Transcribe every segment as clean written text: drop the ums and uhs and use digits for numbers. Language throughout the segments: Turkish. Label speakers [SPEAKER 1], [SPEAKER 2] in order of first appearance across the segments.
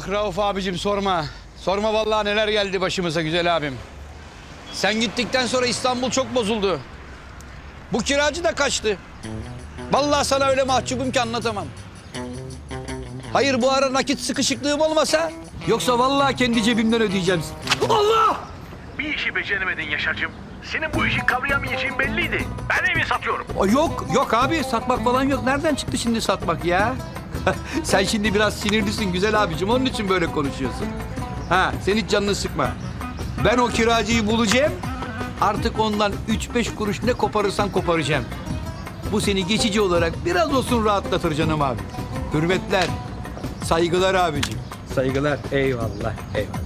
[SPEAKER 1] Ah Rauf abicim sorma. Sorma vallahi neler geldi başımıza güzel abim. Sen gittikten sonra İstanbul çok bozuldu. Bu kiracı da kaçtı. Vallahi sana öyle mahcubum ki anlatamam. Hayır bu ara nakit sıkışıklığım olmasa yoksa vallahi kendi cebimden ödeyeceğim. Allah!
[SPEAKER 2] Bir işi beceremedin Yaşar'cığım. Senin bu işi kavrayamayacağın belliydi. Ben evi satıyorum.
[SPEAKER 1] Yok abi satmak falan yok. Nereden çıktı şimdi satmak ya? Sen şimdi biraz sinirlisin güzel abicim. Onun için böyle konuşuyorsun. Ha sen hiç canını sıkma. Ben o kiracıyı bulacağım. Artık ondan 3-5 kuruş ne koparırsan koparacağım. Bu seni geçici olarak biraz olsun rahatlatır canım abi. Hürmetler, saygılar abicim. Saygılar. Eyvallah, eyvallah.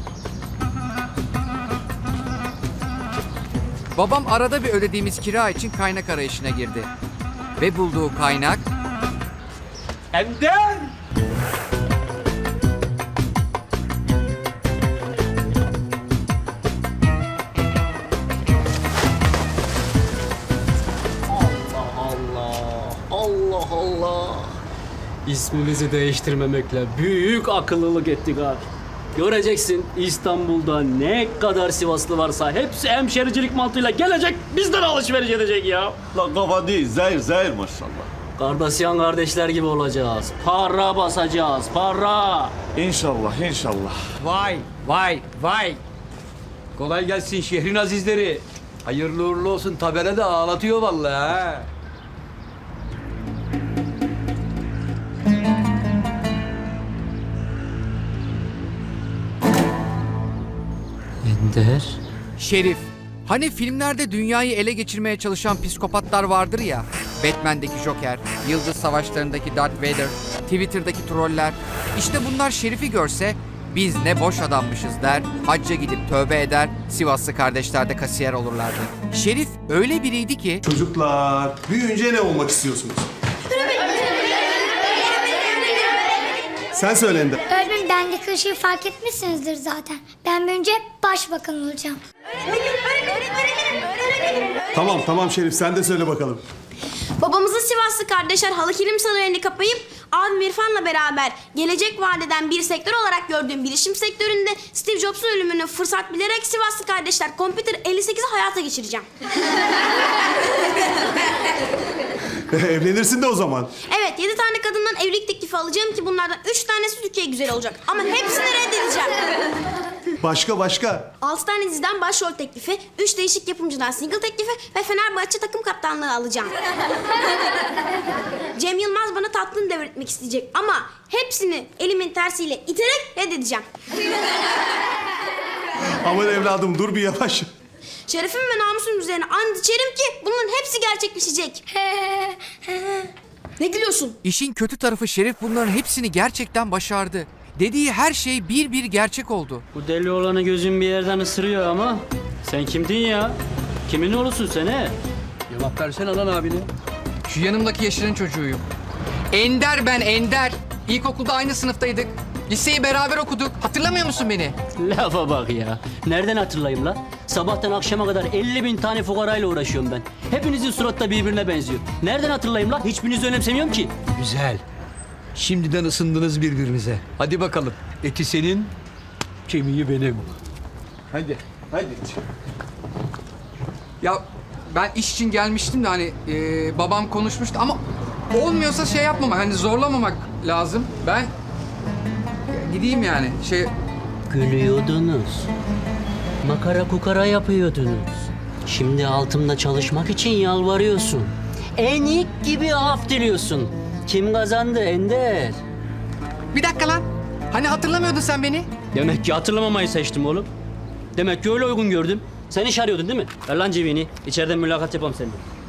[SPEAKER 3] Babam arada bir ödediğimiz kira için kaynak arayışına girdi. Ve bulduğu kaynak...
[SPEAKER 1] Ender!
[SPEAKER 4] Allah Allah. İsmimizi değiştirmemekle büyük akıllılık ettik abi. Göreceksin İstanbul'da ne kadar Sivaslı varsa hepsi hemşericilik mantığıyla gelecek bizden alışveriş edecek ya.
[SPEAKER 5] La kafa değil, zehir maşallah.
[SPEAKER 4] Kardasyan kardeşler gibi olacağız. Para basacağız, para.
[SPEAKER 5] İnşallah.
[SPEAKER 1] Vay. Kolay gelsin şehrin azizleri. Hayırlı uğurlu olsun. Tabela da ağlatıyor vallahi ha.
[SPEAKER 4] Ender.
[SPEAKER 3] Şerif. Hani filmlerde dünyayı ele geçirmeye çalışan psikopatlar vardır ya. Batman'deki Joker, Yıldız Savaşları'ndaki Darth Vader, Twitter'daki troller. İşte bunlar Şerif'i görse biz ne boş adammışız der, hacca gidip tövbe eder, Sivaslı kardeşler de kasiyer olurlardı. Şerif öyle biriydi ki...
[SPEAKER 6] Çocuklar, büyüyünce ne olmak istiyorsunuz? Sen söyle Ender.
[SPEAKER 7] Öğretmenim bendeki ışığı fark etmişsinizdir zaten. Ben büyünce başbakan olacağım.
[SPEAKER 6] Tamam Şerif, sen de söyle bakalım.
[SPEAKER 8] Babamızın Sivaslı kardeşler halı kilim salonunu kapayıp abim İrfan'la beraber gelecek vadeden bir sektör olarak gördüğüm bilişim sektöründe Steve Jobs'un ölümünü fırsat bilerek Sivaslı kardeşler Computer 58'i hayata geçireceğim.
[SPEAKER 6] Evlenirsin de o zaman.
[SPEAKER 8] Evet 7 tane kadından evlilik teklifi alacağım ki bunlardan 3 tanesi Türkiye güzel olacak. Ama hepsini reddedeceğim.
[SPEAKER 6] Başka?
[SPEAKER 8] 6 tane diziden başrol teklifi, 3 değişik yapımcıdan single teklifi ve Fenerbahçe takım kaptanlığı alacağım. Cem Yılmaz bana tatlını devretmek isteyecek ama hepsini elimin tersiyle iterek reddedeceğim.
[SPEAKER 6] Aman evladım dur bir yavaş.
[SPEAKER 8] Şerefim ve namusum üzerine and içerim ki bunların hepsi gerçekleşecek. Ne gülüyorsun?
[SPEAKER 3] İşin kötü tarafı Şerif bunların hepsini gerçekten başardı. Dediği her şey bir bir gerçek oldu.
[SPEAKER 4] Bu deli olanı gözün bir yerden ısırıyor ama sen kimdin ya? Kimin oğlusun sen he?
[SPEAKER 1] Cevap versene lan abine.
[SPEAKER 3] Şu yanımdaki Yaşar'ın çocuğuyum. Ender ben Ender. İlkokulda aynı sınıftaydık. Liseyi beraber okuduk. Hatırlamıyor musun beni?
[SPEAKER 4] Lafa bak ya. Nereden hatırlayayım la? Sabahtan akşama kadar 50.000 tane fukarayla uğraşıyorum ben. Hepinizin suratı da birbirine benziyor. Nereden hatırlayayım la? Hiçbirinizi önemsemiyorum ki.
[SPEAKER 1] Güzel. Şimdiden ısındınız birbirinize. Hadi bakalım. Eti senin, kemiği benim. Hadi.
[SPEAKER 3] Ya ben iş için gelmiştim de hani babam konuşmuştu ama olmuyorsa şey yapmamak, hani zorlamamak lazım. Ben gideyim yani
[SPEAKER 4] Gülüyordunuz. Makara kukara yapıyordunuz. Şimdi altımda çalışmak için yalvarıyorsun. Enik gibi af diliyorsun. Kim kazandı Ender?
[SPEAKER 3] Bir dakika lan. Hani hatırlamıyordun sen beni?
[SPEAKER 4] Demek ki hatırlamamayı seçtim oğlum. Demek ki öyle uygun gördüm. Sen iş arıyordun değil mi? Ver lan cebini. İçeriden mülakat yapalım seninle.